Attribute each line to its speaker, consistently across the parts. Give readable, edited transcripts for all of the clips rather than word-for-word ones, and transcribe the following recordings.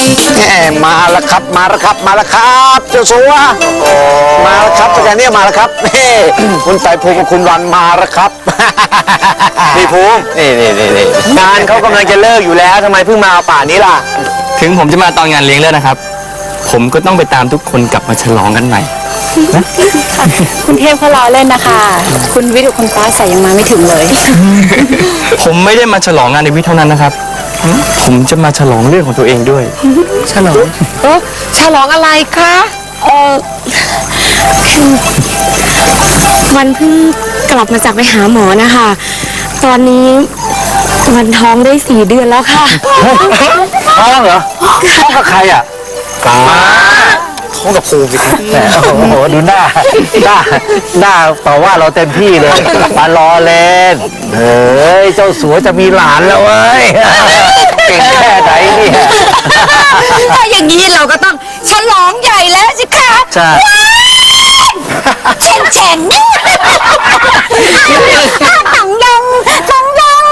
Speaker 1: มาแล้วครับมาแล้วครับมาแล้วครับเจ้าสัวมาแล้วครับอาจารย์เนี่ยมาแล้วครับคุณไต่ภูมิกับคุณวันมาแล้วครับพี่ภูมินี่งานเขากำลังจะเลิกอยู่แล้วทำไมเพิ่งมาป่านนี้ล่ะ
Speaker 2: ถึงผมจะมาตอนงานเลี้ยงแล้วนะครับผมก็ต้องไปตามทุกคนกลับมาฉลองกันใหม่นะ
Speaker 3: คุณเทพเขาล้อเล่นนะคะคุณวิทย์กับคุณฟ้าใสยังมาไม่ถึงเลย
Speaker 2: ผมไม่ได้มาฉลองงานในวิทย์เท่านั้นนะครับผมจะมาฉลองเรื่องของตัวเองด้วย
Speaker 3: ฉลองฉลองอะไรคะคือวันเพิ่งกลับมาจากไปหาหมอนะคะตอนนี้วันท้องได้4 เดือนแล้วค่ะ
Speaker 1: ท้องเหรอท้องกับใครอ่ะฟ้าท้องกับภูมิครับโอ้โหดูหน้าต่อว่าเราเต็มที่เลยมารอเล่นเฮ้ยเจ้าสัวจะมีหลานแล้วเว้ยเก่งแค่ไหนเนี่ย
Speaker 3: ถ้าอย่างนี้เราก็ต้องฉลองใหญ่แล้วสิคะ
Speaker 1: ใช่
Speaker 3: แฉ่งตังยังตัง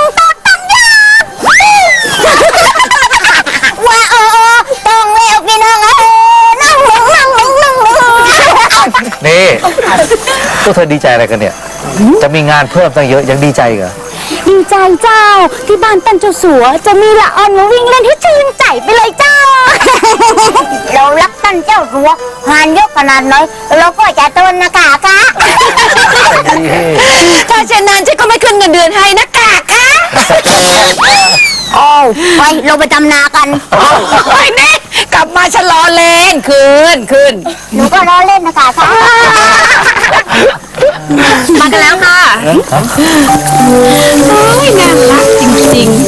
Speaker 3: ว่าต้องเลี้ยวกินอะไรนั่ง
Speaker 1: นี่พวกเธอดีใจอะไรกันเนี่ยจะมีงานเพิ่มตั้งเยอะยังดีใจเหรอ
Speaker 3: ดีใจเจ้าที่บ้านตันเจ้าสัวจะมีละออนมาวิ่งเล่นให้ชื่นใจไปเลยเจ้าเรารักตันเจ้าสัวงานเยอะขนาดน้อยเราก็จะทนนะกะถ้าเช่นนั้นฉันก็ไม่ขึ้นเงินเดือนให้นะกะไปเราไปทำนากันไปนี่กลับมาฉันล้อเล่นคืนหนูก็ล้อเล่นนะคะมากันแล้วค่ะน่ารักจริงๆ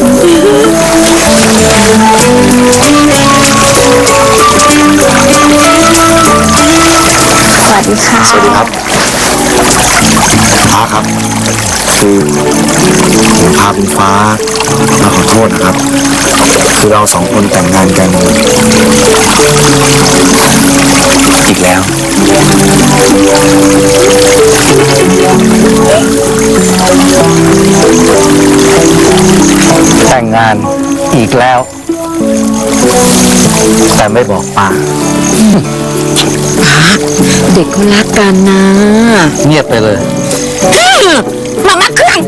Speaker 3: สวัสดีค่ะ
Speaker 1: สวัสดีครับฟ้าครับคือผมพาคุณฟ้ามาขอโทษนะครับคือเรา2 คนแต่งงานกันอีกแล้วแต่งงานอีกแล้วแต่ไม่บอกป้า
Speaker 3: เด็กเขารักกันนะ
Speaker 1: เงียบไปเลย
Speaker 3: มาเครื่อง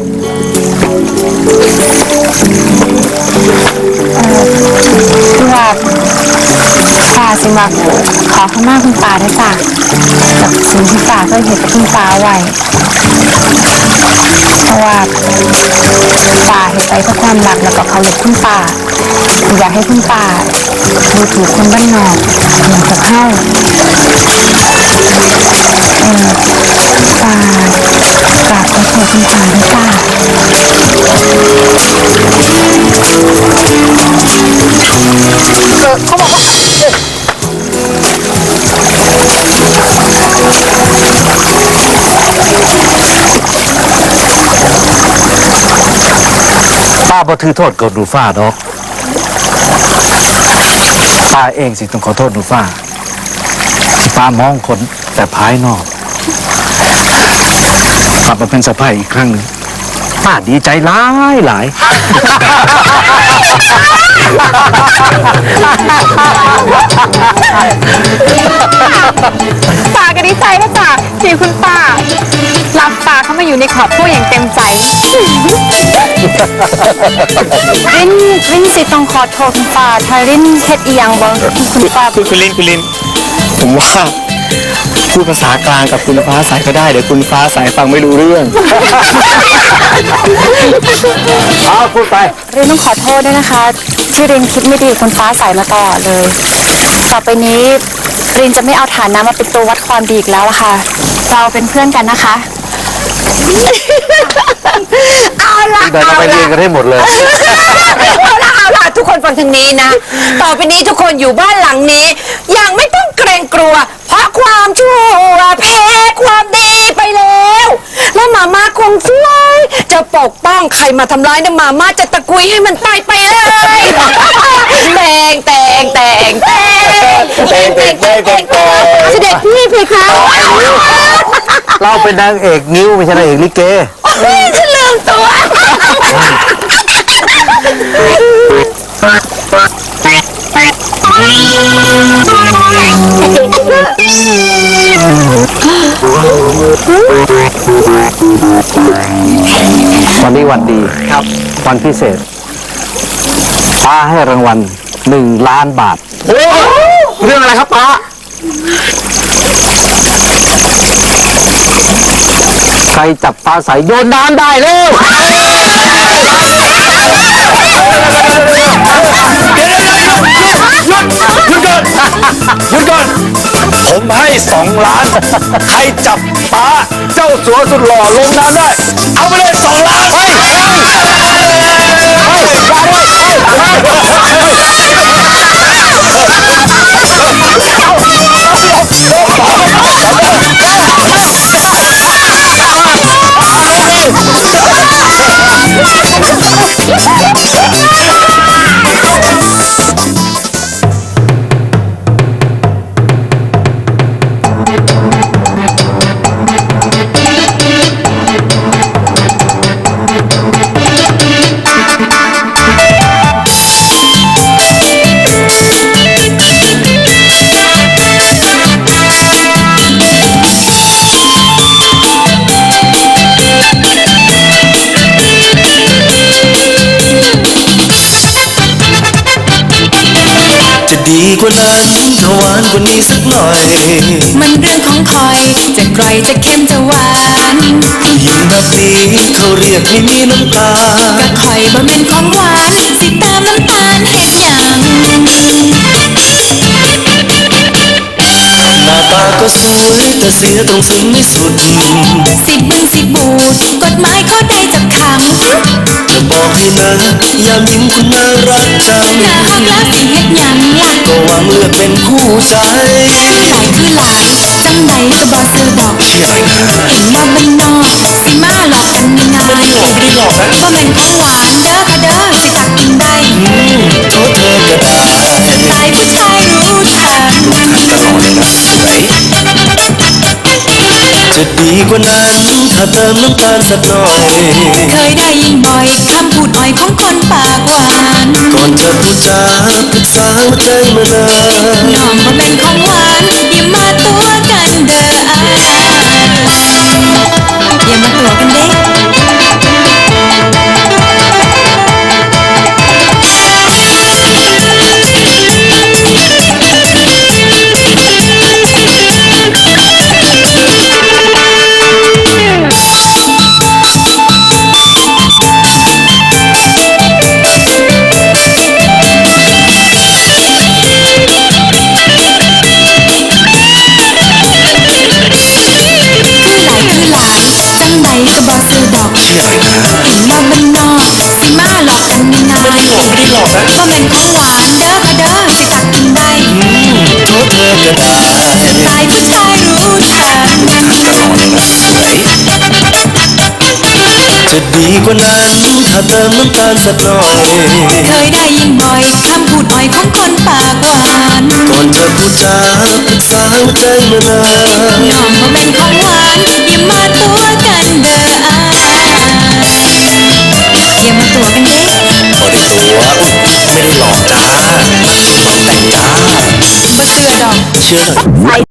Speaker 3: คือว่าป้าสิมาขอขมาคุณป้าได้จ้ะกับสิ่งที่ป้าเคยเห็นกับคุณป้าไว้เพราะว่าป้าเห็นไปเพราะความรักแล้วก็เคารพคุณป้าอยากให้คุณป้าดูถูกคนบ้านนอกเหมือนกับเข้ากราบขอโทษคุณป้าด้วยจ้าเขาบอกว่า
Speaker 1: ป้าบ่ถือโทษกับหนูฟ้าดอกป้าเองสิต้องขอโทษหนูฟ้าที่ป้ามองคนแต่ภายนอกกลับมาเป็นสะใภ้อีกครั้งหนึ่งป้าดีใจหลาย
Speaker 3: ป้าก็ดีใจนะจ๊ะที่คุณป้ารับป้าเข้ามาอยู่ในครอบครัวอย่างเต็มใจรินสิต้องขอโทษคุณป้าถ้ารินเฮ็ดอีหยังบ่คุณป้า
Speaker 2: คุณลินผมว่าพูดภาษากลางกับคุณฟ้าใสก็ได้เดี๋ยวคุณฟ้าใสฟังไม่รู้เรื่อง
Speaker 1: พูดไป
Speaker 3: รินต้องขอโทษด้วยนะคะที่รินคิดไม่ดีคุณฟ้าใสมาตลอดเลยต่อไปนี้รินจะไม่เอาฐานะมาเป็นตัววัดความดีอีกแล้วล่ะค่ะเราเป็นเพื่อนกันนะคะเอาล่ะ
Speaker 1: เราไปเรียนกันให้หมดเลย
Speaker 3: เอาล่ะทุกคนฟังทางนี้นะต่อไปนี้ทุกคนอยู่บ้านหลังนี้ยังไม่ต้องเกรงกลัวเพราะความชั่วแพ้ความดีไปแล้วและมาม่าคงช่วยจะปกป้องใครมาทำร้ายนะมาม่าจะตะกุยให้มันตายไปเลยเสด็จพี่เพคะ
Speaker 1: เราเป็นนางเอกนิ้วไม่ใช่นางเอกลิเก
Speaker 3: ฉันลืมตัว
Speaker 1: วันนี้วันดีครับวันพิเศษป้าให้รางวัล1,000,000 บาท
Speaker 2: โอ้เรื่องอะไรครับป้า
Speaker 1: ใครจับปลาใสโยนน้ำได้เร็ว
Speaker 2: หยุดก่อนหยุดก่อนผมให้2 ล้าน ใครจับปลาเจ้าสัวสุดหล่อลงน้ำได้ เอาไปเลย2 ล้านเฮ้ย
Speaker 4: จะดีกว่านั้นถ้าหวานกว่านี้สักหน่อย
Speaker 5: มันเรื่องของคอย จะกร่อยจะเค็มจะหวาน
Speaker 4: ยิ่งแบบนี้เขาเรียกไม่มีน้ำตา
Speaker 5: กะคอยบ่แม่นของหวาน สิตามน้ำตาลเฮ็ดหยัง
Speaker 4: หน้าตาก็สวยแต่เสียตรงซึ้งไม่สุด
Speaker 5: สิบึงสิบูด กฎหมายข้อใดจับขัง
Speaker 4: จะบอกให้นะยามยิ้มคุณน่ารักจัง
Speaker 5: หน้าหักแล้วสิเฮ็ดหยังล่ะ
Speaker 4: ก็หวังเลือกเป็นคู่ใจ
Speaker 5: คือหลายจังใดก็บ่ซื้อดอก
Speaker 4: เชื่ออะไรนะ
Speaker 5: เห็นว่าบ้านนอกสิมาหลอกกันง่าย
Speaker 4: ไม่ได้หลอกนะ
Speaker 5: บ่แม่นของหวานเด้อค่ะเด้อสิตักกินได้
Speaker 4: โทษเธอก็ได้
Speaker 5: ตายผู้ชายรู้ทัน
Speaker 4: ตลอดเลยนะสวยจะดีกว่านั้นถ้าเติมน้ำตาลสักหน่อย
Speaker 5: เคยได้ยินบ่อยคำพูดอ่อยของคนปากหวาน
Speaker 4: ก่อนจะพูดจาปรึกษาหัวใจมานาน
Speaker 5: น้องบ่แม่นของหวานอย่ามาตัวกันเด้ออ้ายอย่ามาตัวกันเด้ คือหลายจังใดก็บ่ซื้อดอก
Speaker 4: เชื่ออะไรนะ
Speaker 5: เห็นว่าบ้านนอกสิมาหลอกกันง่าย
Speaker 4: ไม่ได้หลอกนะ
Speaker 5: บ่แม่นของหวานเด้อค่ะเด้อสิตักกินได้
Speaker 4: โทษเธอก็ได้
Speaker 5: ตายผู้ชายรู้ทัน
Speaker 4: ตลอดเลยนะสวยจะดีกว่านั้นถ้าเติมน้ำตาลสักหน่อย
Speaker 5: เคยได้ยินบ่อยคำพูดอ่อยของคนปากหวาน
Speaker 4: ก่อนจะพูดจาปรึกษาหัวใจมานาน
Speaker 5: น้องบ่แม่นของหวานอย่ามาตัวกันเด้ออ้ายอย่ามาตัวกันเด้
Speaker 4: พอได้ตัวไม่ได้หลอกจ้าต้องแต่งจ้า
Speaker 5: บ่เชื่อดอก
Speaker 4: เชื่อเถอะ